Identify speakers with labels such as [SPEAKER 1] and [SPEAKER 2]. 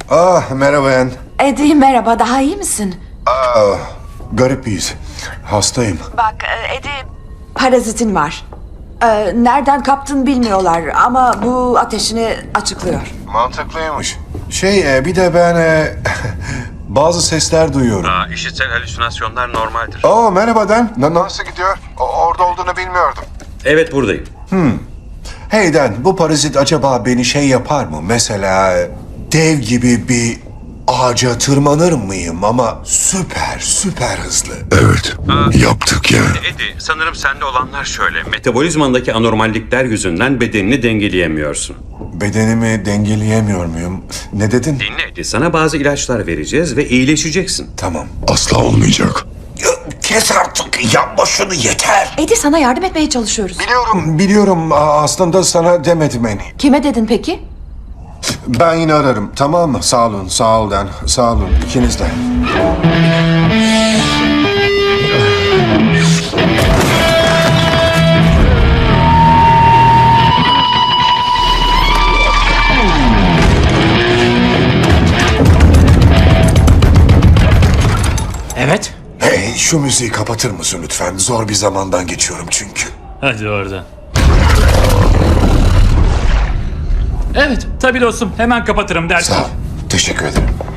[SPEAKER 1] Merhaba Ann.
[SPEAKER 2] Eddie merhaba, daha iyi misin?
[SPEAKER 1] Garip bir his. Hastayım.
[SPEAKER 2] Bak Eddie, parazitin var. Nereden kaptın bilmiyorlar ama bu ateşini açıklıyor.
[SPEAKER 1] Mantıklıymış. Bir de ben bazı sesler duyuyorum.
[SPEAKER 3] İşitsel halüsinasyonlar normaldir.
[SPEAKER 1] Merhaba Dan. Nasıl gidiyor? Orada olduğunu bilmiyordum.
[SPEAKER 3] Evet, buradayım.
[SPEAKER 1] Hey Dan, bu parazit acaba beni yapar mı? Mesela dev gibi bir ağaca tırmanır mıyım ama süper hızlı.
[SPEAKER 4] Evet, yaptık ya.
[SPEAKER 3] Eddie, sanırım sende olanlar şöyle. Metabolizmandaki anormallikler yüzünden bedenini dengeleyemiyorsun.
[SPEAKER 1] Bedenimi dengeleyemiyor muyum? Ne dedin?
[SPEAKER 3] Dinle Eddie, sana bazı ilaçlar vereceğiz ve iyileşeceksin.
[SPEAKER 1] Tamam.
[SPEAKER 4] Asla olmayacak.
[SPEAKER 1] Kes artık, yapma şunu, yeter.
[SPEAKER 2] Eddie, sana yardım etmeye çalışıyoruz.
[SPEAKER 1] Biliyorum. Aslında sana demedim en iyi.
[SPEAKER 2] Kime dedin peki?
[SPEAKER 1] Ben yine ararım, tamam mı? Sağ ol Dan. Sağ olun, ikiniz de.
[SPEAKER 5] Evet.
[SPEAKER 1] Hey, şu müziği kapatır mısın lütfen? Zor bir zamandan geçiyorum çünkü.
[SPEAKER 5] Hadi oradan. Evet, tabii dostum. Hemen kapatırım dersin.
[SPEAKER 1] Sağ ol, teşekkür ederim.